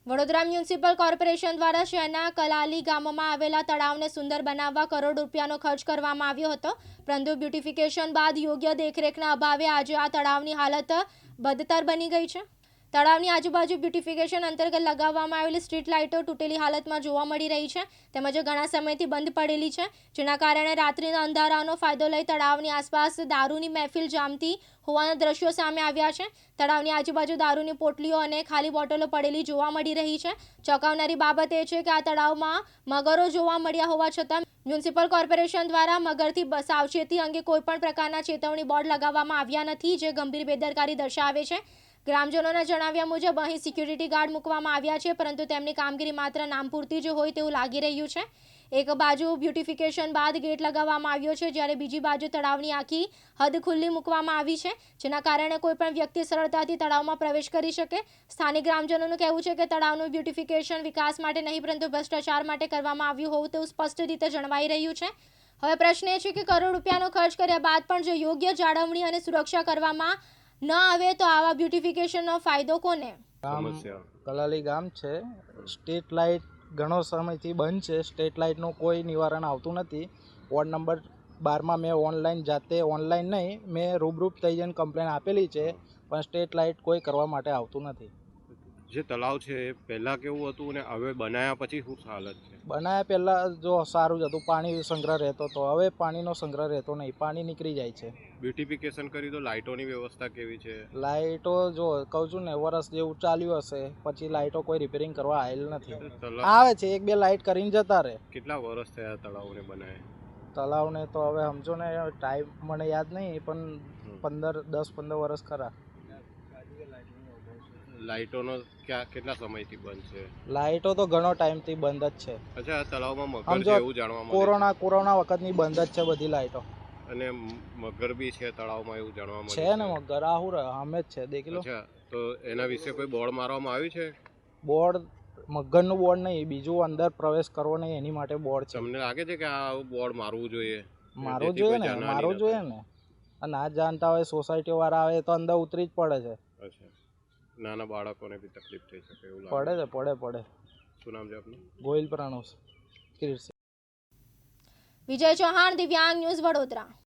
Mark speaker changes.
Speaker 1: Vadodara municipal corporation દ્વારા શહેરના કલાલી ગામમાં આવેલા તળાવને સુંદર બનાવવા કરોડ રૂપિયાનો ખર્ચ કરવામાં આવ્યો હતો, પરંતુ બ્યુટિફિકેશન બાદ યોગ્ય દેખરેખના અભાવે આજે આ તળાવની હાલત બદતર બની ગઈ છે. તળાવની આજુબાજુ બ્યુટિફિકેશન અંતર્ગત લગાવવામાં આવેલી સ્ટ્રીટ લાઇટો તૂટેલી હાલતમાં જોવા મળી રહી છે, તેમજ ઘણા સમયથી બંધ પડેલી છે, જેના કારણે રાત્રિના અંધારાનો ફાયદો લઈ તળાવની આસપાસ દારૂની મહેફિલ જામતી હોવાના દ્રશ્યો સામે આવ્યા છે. તળાવની આજુબાજુ દારૂની પોટલીઓ અને ખાલી બોટલો પડેલી જોવા મળી રહી છે. ચોંકાવનારી બાબત એ છે કે આ તળાવમાં મગરો જોવા મળ્યા હોવા છતાં મ્યુનિસિપલ કોર્પોરેશન દ્વારા મગરથી સાવચેતી અંગે કોઈપણ પ્રકારના ચેતવણી બોર્ડ લગાવવામાં આવ્યા નથી, જે ગંભીર બેદરકારી દર્શાવે છે. ગ્રામજનોના જણાવ્યા મુજબ અહીં સિક્યુરિટી ગાર્ડ મૂકવામાં આવ્યા છે, પરંતુ તેમની કામગીરી માત્ર નામ પૂરતી જ હોય તેવું લાગી રહ્યું છે. એક બાજુ બ્યુટિફિકેશન બાદ ગેટ લગાવવામાં આવ્યો છે, જ્યારે બીજી બાજુ તળાવની આખી હદ ખુલ્લી મૂકવામાં આવી છે, જેના કારણે કોઈપણ વ્યક્તિ સરળતાથી તળાવમાં પ્રવેશ કરી શકે. સ્થાનિક ગ્રામજનોનું કહેવું છે કે તળાવનું બ્યુટિફિકેશન વિકાસ માટે નહીં, પરંતુ ભ્રષ્ટાચાર માટે કરવામાં આવ્યું હોવું તેવું સ્પષ્ટ રીતે જણાવાઈ રહ્યું છે. હવે પ્રશ્ન એ છે કે કરોડ રૂપિયાનો ખર્ચ કર્યા બાદ પણ જો યોગ્ય જાળવણી અને સુરક્ષા કરવામાં ન આવે તો આવા બ્યુટિફિકેશનનો ફાયદો કોને?
Speaker 2: કલાલી ગામ છે. સ્ટ્રીટ લાઇટ ઘણો સમયથી બંધ છે. સ્ટ્રીટ લાઇટનું કોઈ નિવારણ આવતું નથી. વોર્ડ નંબર 12માં મેં જાતે ઓનલાઈન નહીં, મેં રૂબરૂપ થઈ જઈને કમ્પ્લેન આપેલી છે, પણ સ્ટ્રીટ લાઇટ કોઈ કરવા માટે આવતું નથી.
Speaker 3: જે તળાવ છે એ પહેલાં કેવું હતું અને હવે બનાવ્યા પછી શું હાલત છે?
Speaker 2: બનાવ્યા પહેલાં જો સારું જ હતું, પાણી સંગ્રહ રહેતો હતો. હવે પાણીનો સંગ્રહ રહેતો નહીં, પાણી નીકળી જાય છે.
Speaker 3: બ્યુટિફિકેશન કરી તો લાઇટોની વ્યવસ્થા કેવી છે?
Speaker 2: લાઇટો જો કહું છું ને, વરસ જેવું ચાલ્યું હશે, પછી લાઇટો કોઈ રિપેરિંગ કરવા આવેલ નથી. આવે છે 1-2 લાઇટ કરીને જતા રહે.
Speaker 3: કેટલા વર્ષ થયા તળાવને બનાવે?
Speaker 2: તળાવને તો હવે સમજો ને, ટાઈમ મને યાદ નહીં, પણ 10-15 વર્ષ ખરા.
Speaker 3: લાઇટોનો કેટલા સમયથી બંધ છે?
Speaker 2: લાઇટો તો ઘણો ટાઈમથી બંધ જ છે.
Speaker 3: અચ્છા, તળાવમાં મગર છે એવું જાણવા મળે?
Speaker 2: કોરોના વખતની બંધ જ છે બધી લાઇટો.
Speaker 3: અને મગર બી છે તળાવમાં એવું જાણવા મળે
Speaker 2: છે ને? મગર આહુર અમે જ છે, દેખી લો.
Speaker 3: અચ્છા, તો એના વિશે કોઈ બોર્ડ મારવામાં આવ્યું છે?
Speaker 2: બોર્ડ મગરનું બોર્ડ નહીં, બીજું અંદર પ્રવેશ કરવો નહીં એની માટે બોર્ડ છે.
Speaker 3: તમને લાગે છે કે આ બોર્ડ મારવું જોઈએ?
Speaker 2: મારવું જોઈએ ને. અને ના જાણતા હોય સોસાયટી વાળા આવે તો અંદર ઉતરી જ પડે છે.
Speaker 3: અચ્છા, નાના બાળકોને બી તકલીફ થઈ શકે એવું લાગે?
Speaker 2: પડે.
Speaker 3: શું નામ છે આપનું?
Speaker 2: ગોહિલ પ્રાણોસ.
Speaker 1: વિજય ચૌહાણ, દિવ્યાંગ ન્યૂઝ, વડોદરા.